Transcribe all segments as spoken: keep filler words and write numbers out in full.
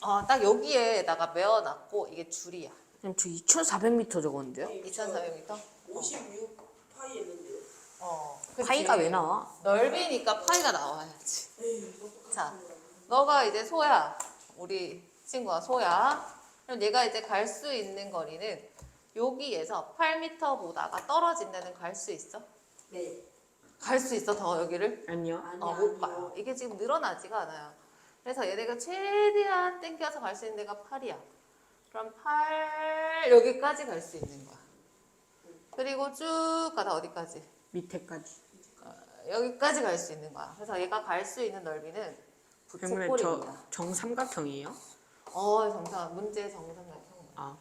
어, 딱 여기에다가 메어놨고 이게 줄이야. 그럼 저 이천사백 미터 적었는데요? 이천사백 미터? 오십육 파이 했는데요. 어. 그치. 파이가 왜 나와? 넓이니까 파이가 나와야지. 에이, 똑같은 자, 거야. 너가 이제 소야. 우리 친구가 소야. 그럼 얘가 이제 갈 수 있는 거리는 여기에서 팔 미터보다가 떨어진 데는 갈 수 있어? 네. 갈 수 있어 더 여기를? 아니요. 아니, 어, 못 가요. 이게 지금 늘어나지가 않아요. 그래서 얘네가 최대한 땡겨서 갈 수 있는 데가 팔이야. 그럼 팔 여기까지 갈 수 있는 거야. 그리고 쭉 가다 어디까지? 밑에까지. 어, 여기까지 갈 수 있는 거야. 그래서 얘가 갈 수 있는 넓이는 그러면 부채꼴입니다. 저 정삼각형이에요? 어, 정상 문제 정상각형. 아.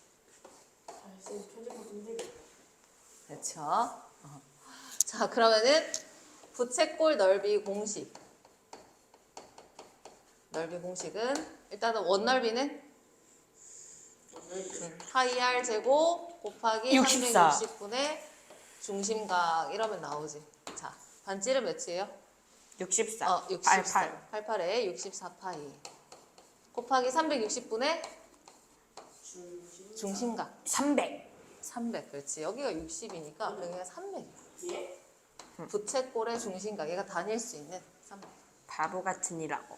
쌤 표정 힘들게. 그렇죠. 어. 자, 그러면은 부채꼴 넓이 공식. 넓이 공식은 일단은 원 넓이는 파이 r 제곱 곱하기 육십사. 삼백육십 분의 중심각 이러면 나오지. 자, 반지름 몇이에요? 육십사. 어, 육십사. 팔십팔. 팔십팔에 육십사 파이 곱하기 삼백육십 분의 중심. 중심각 삼백. 삼백. 그렇지. 여기가 육십이니까 여기가 삼백. 예? 부채꼴의 중심각 얘가 다닐 수 있는 삼백. 바보 같은 이라고.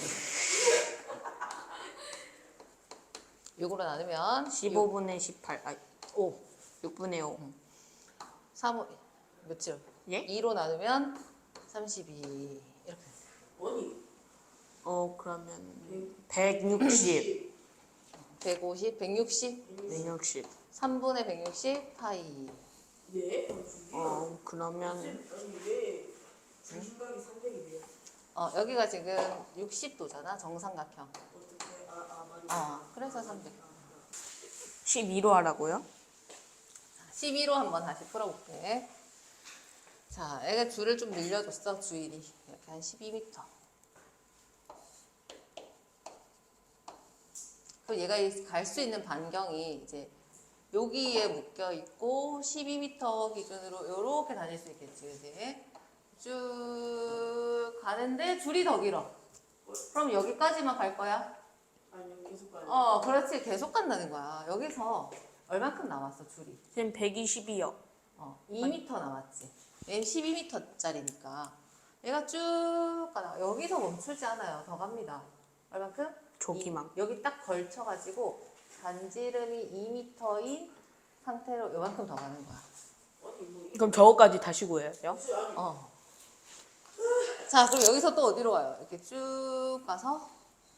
육으로 나누면 십오분의 십팔. 아, 오. 육분의 오. 삼 며칠? 예? 이로 나누면 삼십이. 이렇게. 아니. 어, 그러면 백육십. 백오십, 백육십, 백육십. 삼분의 백육십 파이. 예? 어, 그러면 아니 왜 중심각이 삼백이래요? 어, 여기가 지금 육십 도잖아, 정삼각형. 어떻게? 아, 아 맞아. 어, 그래서 삼백. 십이로 하라고요? 십이로 한번 다시 풀어볼게. 자, 애가 줄을 좀 늘려줬어, 주일이. 이렇게 한 십이 미터. 그리고 얘가 갈 수 있는 반경이 이제 여기에 묶여 있고 십이 미터 기준으로 이렇게 다닐 수 있겠지, 그지? 쭉 가는데 줄이 더 길어. 그럼 여기까지만 갈 거야? 아니요 계속 가요. 어, 그렇지. 계속 간다는 거야. 여기서 얼만큼 남았어, 줄이? 지금 백이십이요. 어, 이 미터 남았지. 얘는 십이 미터짜리니까. 얘가 쭉 가다가 여기서 멈추지 않아요. 더 갑니다. 얼만큼? 저기만. 이, 여기 딱 걸쳐가지고 반지름이 이 미터인 상태로 요만큼 더 가는 거야. 아니 뭐 그럼 저거까지 다시 구해요? 이거 아니 어. 자, 그럼 여기서 또 어디로 가요? 이렇게 쭉 가서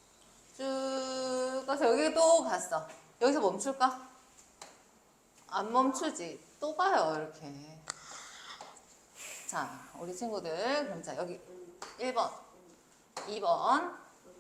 쭉 가서 여기 또 갔어. 여기서 멈출까? 안 멈추지. 또 가요, 이렇게. 자, 우리 친구들. 그럼 자, 여기 일 번, 이 번,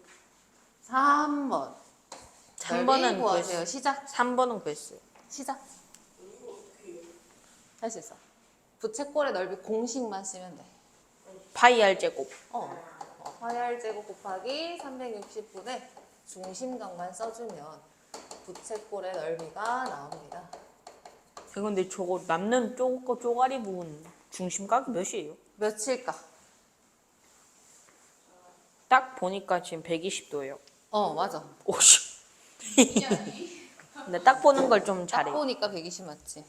삼 번. 삼 번은 구하세요. 구했어요. 시작. 삼 번은 구했어요. 시작. 이거 어떻게 해요? 할 수 있어. 부채꼴의 넓이 공식만 쓰면 돼. 파이 r 제곱. 어. 어, 파이 r 제곱 곱하기 삼백육십 분의 중심각만 써주면 부채꼴의 넓이가 나옵니다. 근데 저거 남는 쪼, 쪼가리 부분 중심각이 몇이에요? 몇일까? 딱 보니까 지금 백이십 도예요. 어, 맞아. 오씨. 근데 딱 보는 걸 좀 딱 잘해요. 보니까 백이십 맞지?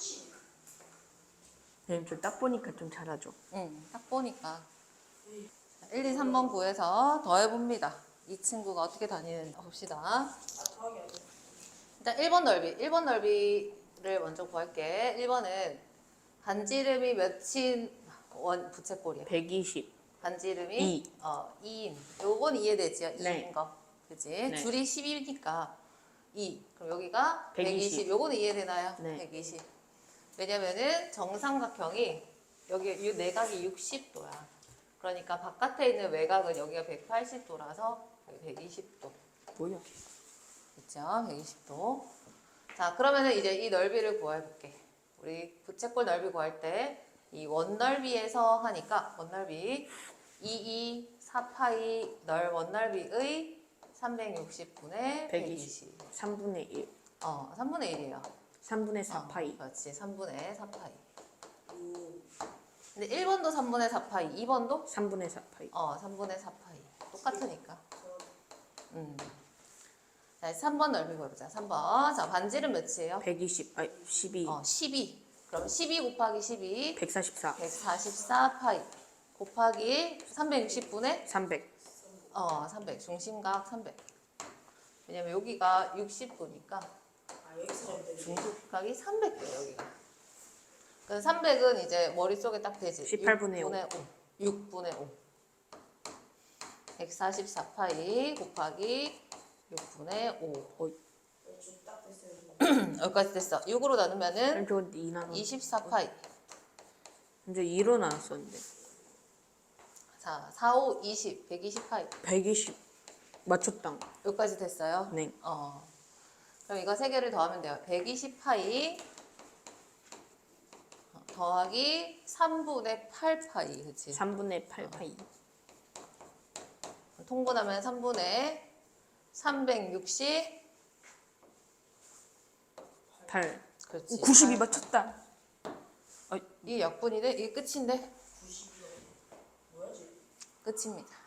네, 저딱 보니까 좀 잘하죠. 응, 딱 보니까. 일, 이, 삼 번 구해서 더해봅니다. 이 친구가 어떻게 다니는지 봅시다. 아 더하기 아니야. 일단 일 번 넓이. 일 번 넓이를 먼저 구할게. 일 번은 반지름이 몇인 원 부채꼴이야? 백이십. 반지름이 이. 어, 이인. 요건 이해되지요? 네. 이인 거. 그지? 네. 줄이 십이니까 이. 그럼 여기가 백이십. 백이십. 요거는 이해되나요? 네. 백이십. 왜냐면은 정삼각형이 여기 이 내각이 육십 도야. 그러니까 바깥에 있는 외곽은 여기가 백팔십 도라서 백이십 도. 뭐야? 그렇죠? 백이십 도. 자, 그러면은 이제 이 넓이를 구해볼게. 우리 부채꼴 넓이 구할 때 이 원넓이에서 하니까 원넓이 이, 이, 사 파이 넓 원넓이의 삼백육십 분의 백이십. 삼분의 일. 어, 삼분의 일이에요. 삼분의 사 어, 파이. 그렇지. 삼분의 사 파이. 음. 근데 일 번도 삼분의 사 파이, 이 번도 삼분의 사 파이. 어, 삼분의 사 파이. 똑같으니까. 음. 자, 삼 번 넓이 구해보자. 삼 번. 자, 반지름 몇이에요? 백이십, 아니 십이, 어, 십이. 그럼 십이 곱하기 십이. 백사십사, 백사십사 파이. 곱하기 삼백육십분의 삼백. 어, 삼백. 중심각 삼백. 왜냐면 여기가 육십도니까 아 여기서 잡는데. 중심각이 삼백 돼, 여기가. 그 삼백은 이제 머릿속에 딱 되지. 십팔분의 오. 육분의 오. 백사십사 파이 곱하기 육분의 오. 딱 됐어요. 여기까지 됐어. 육으로 나누면은 저건 이 나눠. 이십사 파이. 이제 이로 나눴었는데. 자, 사, 오, 이십, 백이십 파이. 백이십 맞췄당. 여기까지 됐어요? 네. 어. 그럼 이거 세 개를 더하면 돼요. 백이십 파이 더하기 삼분의 팔 파이. 그치? 삼분의 팔 파이. 통분하면 삼분의 삼백육십. 팔. 그렇지. 구십이 팔. 맞췄다. 이게 약분이 돼? 이게 끝인데? 구십이요. 뭐야지? 끝입니다.